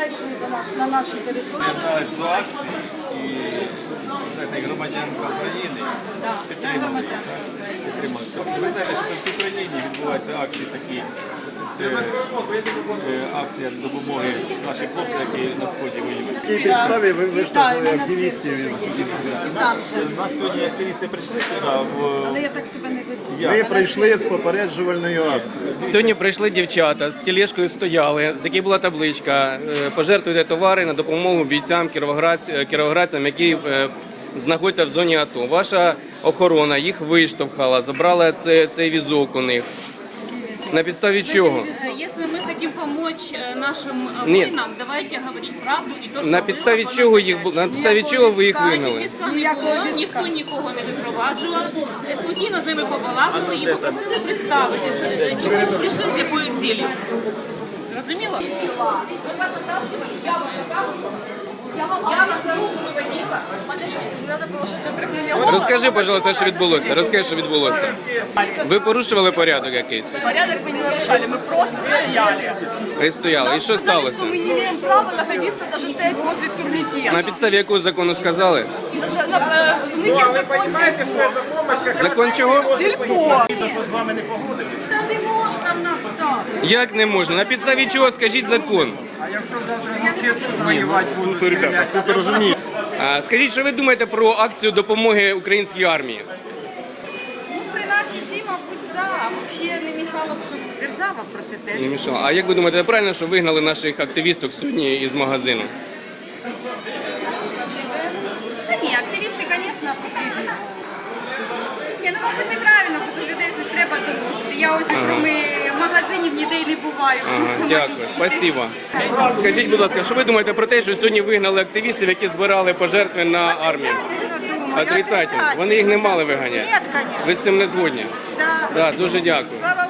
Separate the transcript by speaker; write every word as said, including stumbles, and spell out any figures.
Speaker 1: зайшли до нас, на нашу територію.
Speaker 2: Приєдналась до акції і знаєте, громадянка України підтримали. підтримали. Ви знаєте, що в Україні відбуваються акції такі. Це е, акція допомоги нашим хлопцям, які на сході воюють.
Speaker 3: В якій підставі ви виштовхнули
Speaker 1: Вітаю,
Speaker 3: активістів із
Speaker 1: І там же.
Speaker 2: У нас сьогодні активісти прийшли сюди. В...
Speaker 1: Але я так себе не веду.
Speaker 3: Ви прийшли з попереджувальною акцією.
Speaker 4: Сьогодні прийшли дівчата, з тележкою стояли, з якій була табличка е, «Пожертвуйте товари на допомогу бійцям кіровоградцям, кіровоградцям, які е, знаходяться в зоні АТО». Ваша охорона їх виштовхала, забрала це, цей візок у них. На підставі чого?
Speaker 5: Если мы хотим помочь э, нашим э,
Speaker 4: Нет.
Speaker 5: воинам, давайте говорить правду и то, что
Speaker 4: На
Speaker 5: было,
Speaker 4: підставі
Speaker 5: по
Speaker 4: чого їх бу-
Speaker 5: настоящему.
Speaker 4: на підставі чого ви їх
Speaker 5: Значить,
Speaker 4: вигнали?
Speaker 5: війська не
Speaker 1: Ніякого
Speaker 5: було,
Speaker 1: війська.
Speaker 5: ніхто нікого не випроваджував. Е, Спокійно з ними побалакали і попросили представити, що е, чого ви прийшли, з якою цілею. Зрозуміло?
Speaker 4: Розкажи, пожалуйста, що відбулося. Розкажи, що відбулося. Ви порушували порядок якийсь?
Speaker 6: Порядок мы не нарушали, мы просто стояли.
Speaker 4: Ви стояли. І що
Speaker 6: Нам сказали,
Speaker 4: сталося?
Speaker 6: что мы не имеем права находиться, даже стоять возле турникета.
Speaker 4: На підставі якого закону сказали?
Speaker 6: За- на- э, У них есть закон сельпо.
Speaker 4: Закон чого?
Speaker 6: Сельпо.
Speaker 1: Та не можна в нас так.
Speaker 4: Як не можна? На підставі чого скажіть закон? А, скажіть, що ви думаєте про акцію допомоги українській армії?
Speaker 7: Ну, при нашій ці, мабуть, за. А взагалі не мішало б, щоб держава про це теж.
Speaker 4: Не мішало. А як ви думаєте, правильно, що вигнали наших активісток сьогодні із магазину?
Speaker 7: Та ні, активісти, звісно, потрібні. Ні, ну, мабуть, неправильно, бо до людей щось треба доносити. Я ось кроме магазинів ніде й не буваю.
Speaker 4: Ага, дякую, спасибо. Скажіть, будь ласка, що ви думаєте про те, що сьогодні вигнали активістів, які збирали пожертви на армію? Отрицательно. Вони їх не мали виганяти.
Speaker 1: Ні, звісно.
Speaker 4: Ви з цим не згодні?
Speaker 1: Да.
Speaker 4: Да, дуже дякую.
Speaker 1: Слава